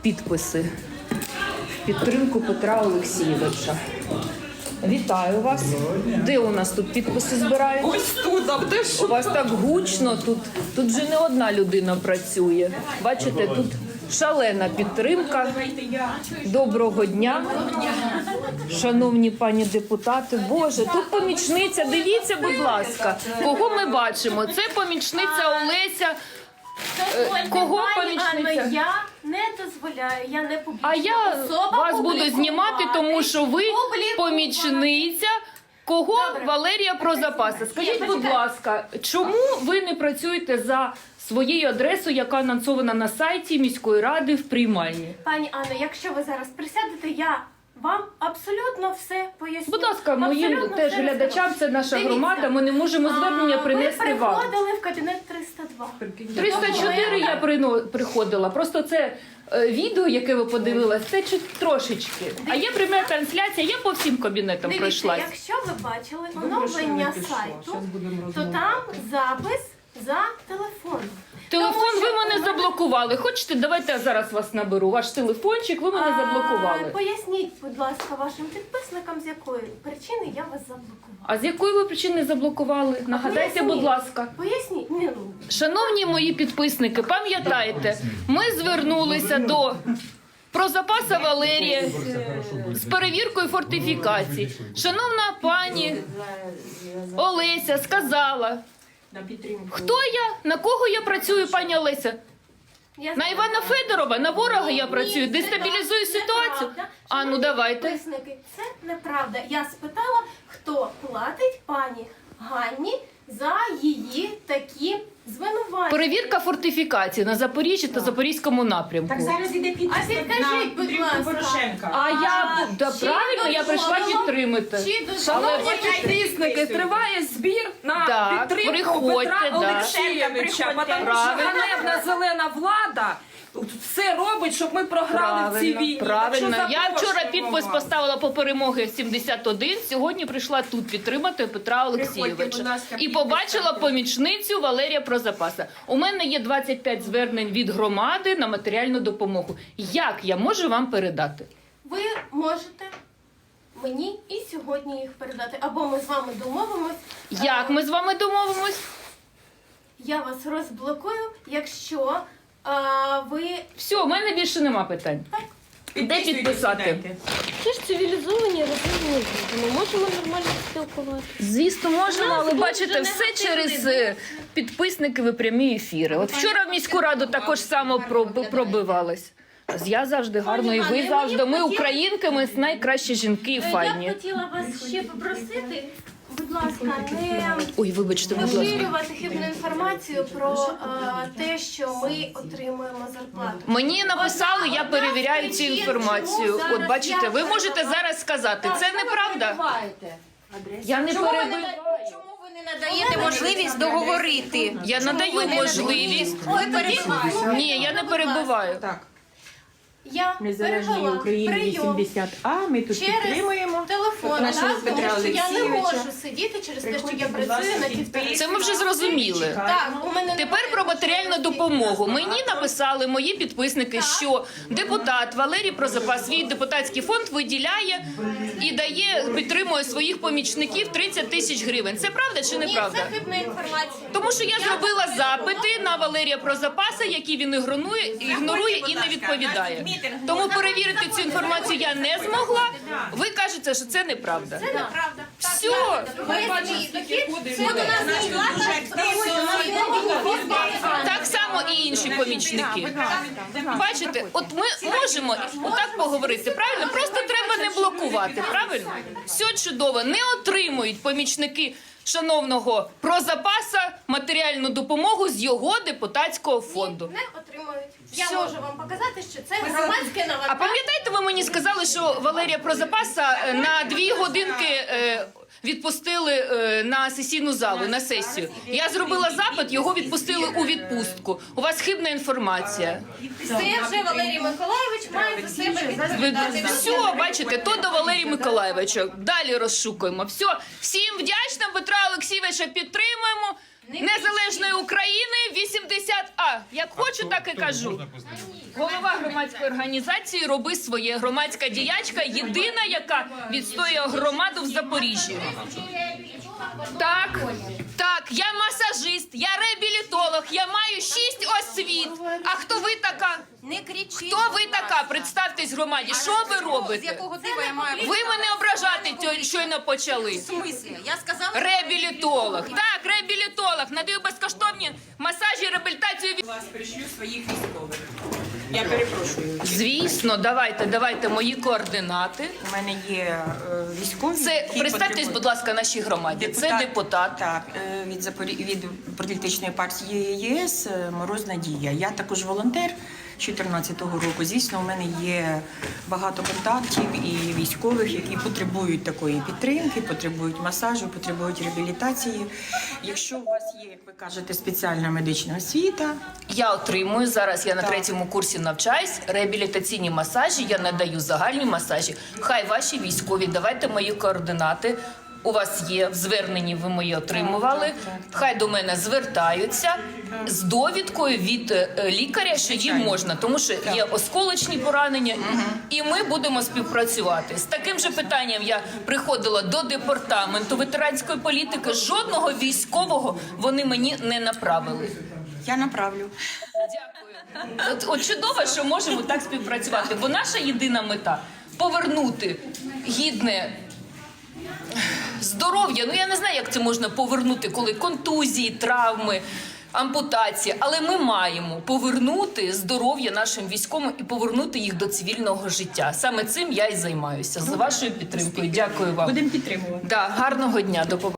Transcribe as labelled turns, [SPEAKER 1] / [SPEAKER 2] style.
[SPEAKER 1] підписи в підтримку Петра Олексійовича. Вітаю вас. Де у нас тут підписи збирають?
[SPEAKER 2] Ось тут, а де ж?
[SPEAKER 1] У вас так гучно, тут вже не одна людина працює. Бачите, тут шалена підтримка. Доброго дня, шановні пані депутати. Боже, тут помічниця, дивіться, будь ласка, кого ми бачимо. Це помічниця Олеся. Кого помічниця?
[SPEAKER 3] Я не дозволяю, я не публічна
[SPEAKER 1] А я
[SPEAKER 3] особа
[SPEAKER 1] вас буду знімати, тому що ви помічниця. Кого? Валерія Прозапаса. Скажіть, будь ласка, чому ви не працюєте за своєю адресою, яка анонсована на сайті міської ради в приймальні?
[SPEAKER 3] Пані Анно, якщо ви зараз присядете, я вам абсолютно все поясню.
[SPEAKER 1] Будь ласка, моїм
[SPEAKER 3] Абсолютно
[SPEAKER 1] теж
[SPEAKER 3] все
[SPEAKER 1] глядачам,
[SPEAKER 3] розкажу.
[SPEAKER 1] це наша
[SPEAKER 3] Дивіться.
[SPEAKER 1] громада, ми не можемо звернення принести
[SPEAKER 3] Ви
[SPEAKER 1] вам.
[SPEAKER 3] приходили в кабінет 302.
[SPEAKER 1] 304 я приходила, просто це відео, яке ви подивились, це трошечки. А є пряма трансляція, я по всім кабінетам
[SPEAKER 3] Дивіться,
[SPEAKER 1] пройшлась.
[SPEAKER 3] якщо ви бачили оновлення сайту, то там запис за телефон.
[SPEAKER 1] Телефон ви мене заблокували. Хочете, давайте я зараз вас наберу. Ваш телефончик, ви мене заблокували.
[SPEAKER 3] Поясніть, будь ласка, вашим підписникам, з якої причини я вас заблокувала.
[SPEAKER 1] А з якої ви причини заблокували? Нагадайте,
[SPEAKER 3] Поясніть.
[SPEAKER 1] будь ласка.
[SPEAKER 3] Поясніть. Ні, ну,
[SPEAKER 1] Шановні мої підписники, пам'ятайте, ми звернулися до Прозапаса Валерія з перевіркою фортифікацій. Шановна пані Олеся сказала, хто я, на кого я працюю, пані Олеся?
[SPEAKER 3] я
[SPEAKER 1] На Івана Федорова, на ворога я працюю,
[SPEAKER 3] Ні,
[SPEAKER 1] дестабілізую
[SPEAKER 3] це
[SPEAKER 1] ситуацію.
[SPEAKER 3] неправда.
[SPEAKER 1] А ну
[SPEAKER 3] Шановні
[SPEAKER 1] давайте.
[SPEAKER 3] підписники, це неправда. Я спитала, хто платить пані Ганні за її такі звинувачення.
[SPEAKER 1] Перевірка фортифікації на Запоріжжі та Запорізькому напрямку.
[SPEAKER 2] Так зараз іде підпис
[SPEAKER 3] А підкажіть, будь
[SPEAKER 2] підтримку
[SPEAKER 3] ласка.
[SPEAKER 2] Порошенка.
[SPEAKER 1] А я да,
[SPEAKER 3] чи
[SPEAKER 1] правильно, я прийшла
[SPEAKER 3] дозволено-
[SPEAKER 1] підтримати.
[SPEAKER 3] Чи дозволено-
[SPEAKER 2] Шановні
[SPEAKER 4] Підписники, триває збір на
[SPEAKER 1] Так,
[SPEAKER 4] підтримку
[SPEAKER 1] приходьте,
[SPEAKER 4] Петра
[SPEAKER 1] да.
[SPEAKER 4] Олексійовича, тому що
[SPEAKER 1] Правильно.
[SPEAKER 4] ганебна зелена влада все робить, щоб ми програли в цій війні.
[SPEAKER 1] Правильно.
[SPEAKER 4] Так що
[SPEAKER 1] Я вчора
[SPEAKER 4] запрошуємо
[SPEAKER 1] підпис
[SPEAKER 4] вас.
[SPEAKER 1] поставила по перемоги 71, сьогодні прийшла тут підтримати Петра
[SPEAKER 2] будь
[SPEAKER 1] Олексійовича.
[SPEAKER 2] ласка,
[SPEAKER 1] І
[SPEAKER 2] підпис
[SPEAKER 1] побачила
[SPEAKER 2] ставте.
[SPEAKER 1] помічницю Валерія Прозапаса. У мене є 25 звернень від громади на матеріальну допомогу. Як я можу вам передати?
[SPEAKER 3] Ви можете мені і сьогодні їх передати. Або ми з вами домовимось.
[SPEAKER 1] Як ми з вами домовимось?
[SPEAKER 3] Я вас розблокую, якщо ви...
[SPEAKER 1] Все, у мене більше нема питань. Де підписати?
[SPEAKER 2] Сідайте.
[SPEAKER 3] Це ж цивілізовані розумні люди. Ми можемо нормально спілкуватися.
[SPEAKER 1] Звісно, можна, але
[SPEAKER 3] дуже
[SPEAKER 1] бачите, все
[SPEAKER 3] негативний
[SPEAKER 1] через підписники в прямі ефіри. От вчора в міську раду також само пробивалась. Я завжди гарно, і ви завжди. Ми українки, ми найкращі жінки і
[SPEAKER 3] Я б
[SPEAKER 1] файні.
[SPEAKER 3] хотіла вас ще попросити, будь ласка, не
[SPEAKER 1] Ой, вибачте, будь ласка.
[SPEAKER 3] поширювати хибну інформацію про те, що ми отримуємо зарплату.
[SPEAKER 1] Мені написали, я перевіряю цю інформацію. От бачите, ви можете зараз сказати, це неправда. Я не перебиваю.
[SPEAKER 5] Чому ви не надаєте можливість договорити?
[SPEAKER 1] Я надаю можливість. Ні, я не перебиваю.
[SPEAKER 2] Так.
[SPEAKER 3] Я
[SPEAKER 2] Незалежній
[SPEAKER 3] перевела
[SPEAKER 2] Україні
[SPEAKER 3] прийом
[SPEAKER 2] 80А, ми тут підтримуємо.
[SPEAKER 3] телефон,
[SPEAKER 2] нашого
[SPEAKER 3] так,
[SPEAKER 2] Петра
[SPEAKER 3] тому що я не
[SPEAKER 2] Олексійовича.
[SPEAKER 3] можу сидіти через те, що
[SPEAKER 2] Приходьте,
[SPEAKER 3] я
[SPEAKER 2] будь
[SPEAKER 3] працюю
[SPEAKER 2] ласка,
[SPEAKER 3] на півтори.
[SPEAKER 1] Це ми вже зрозуміли.
[SPEAKER 3] Так, у мене
[SPEAKER 1] Тепер
[SPEAKER 3] немає
[SPEAKER 1] про матеріальну
[SPEAKER 3] можливості.
[SPEAKER 1] допомогу. Мені написали мої підписники, що депутат Валерій Прозапас свій депутатський фонд виділяє і дає, підтримує своїх помічників 30 тисяч гривень. Це правда чи
[SPEAKER 3] Ні,
[SPEAKER 1] неправда?
[SPEAKER 3] це хибна інформація.
[SPEAKER 1] Тому що я зробила запити на Валерія Прозапаса, які він ігнорує і не відповідає. Тому перевірити цю інформацію я не змогла. Ви кажете, що це неправда.
[SPEAKER 3] Це неправда.
[SPEAKER 1] Все.
[SPEAKER 3] Ми бачимо,
[SPEAKER 1] Так само і інші помічники. Бачите, от ми можемо отак поговорити, правильно? Просто треба не блокувати, правильно? Все чудово. Не отримують помічники шановного Прозапаса матеріальну допомогу з його депутатського фонду.
[SPEAKER 3] не отримують. Я
[SPEAKER 1] Все.
[SPEAKER 3] можу вам показати, що це громадське
[SPEAKER 1] А
[SPEAKER 3] навантаження.
[SPEAKER 1] пам'ятаєте, ви мені сказали, що Валерія Прозапаса на 2 годинки відпустили на сесійну залу, на сесію. Я зробила запит, його відпустили у відпустку. У вас хибна інформація.
[SPEAKER 3] Це вже Валерій Миколайович має за себе відповідати.
[SPEAKER 1] Все, бачите, то до Валерія Миколайовича. Далі розшукуємо. Все, всім вдячна, Петра Олексійовича підтримуємо. Незалежної України 80А. Як хочу, так і кажу. Голова громадської організації «Роби своє». Громадська діячка, єдина, яка відстоює громаду в Запоріжжі. Так, так, я масажист, я реабілітолог, я маю 6 освіт. А хто ви така?
[SPEAKER 5] Не кричіть.
[SPEAKER 1] Хто ви така? Представтесь громаді. Що ви
[SPEAKER 5] З
[SPEAKER 1] робите?
[SPEAKER 5] якого дива я маю?
[SPEAKER 1] Ви мене ображати щойно почали.
[SPEAKER 5] В смислі? Я сказала,
[SPEAKER 1] Реабілітолог. Так, реабілітолог. Надаю безкоштовні масажі, реабілітацію.
[SPEAKER 2] Вас пришлю своїх військових. Я перепрошую.
[SPEAKER 1] Звісно, давайте мої координати.
[SPEAKER 2] У мене є військові.
[SPEAKER 1] Це,
[SPEAKER 2] які
[SPEAKER 1] представтесь,
[SPEAKER 2] потребують.
[SPEAKER 1] будь ласка, нашій громаді. Це депутат.
[SPEAKER 2] Так, від політичної партії ЄС Мороз Надія. Я також волонтер 2014 року. Звісно, у мене є багато контактів і військових, які потребують такої підтримки, потребують масажу, потребують реабілітації. Якщо у вас є, як ви кажете, спеціальна медична освіта,
[SPEAKER 1] Я отримую, зараз я на 3-му курсі навчаюсь, реабілітаційні масажі, я надаю загальні масажі. Хай ваші військові, давайте мої координати. У вас є в зверненні, ви мої отримували. Хай до мене звертаються з довідкою від лікаря, що їм можна, тому що є осколочні поранення, і ми будемо співпрацювати. З таким же питанням я приходила до департаменту ветеранської політики. Жодного військового вони мені не направили.
[SPEAKER 2] я направлю.
[SPEAKER 1] Дякую. От чудово, що можемо так співпрацювати, бо наша єдина мета – повернути гідне здоров'я. Ну, я не знаю, як це можна повернути, коли контузії, травми, ампутації. Але ми маємо повернути здоров'я нашим військовим і повернути їх до цивільного життя. Саме цим я і займаюся. З вашою підтримкою. Дякую вам.
[SPEAKER 2] Будемо підтримувати.
[SPEAKER 1] Да, гарного дня. До побачення.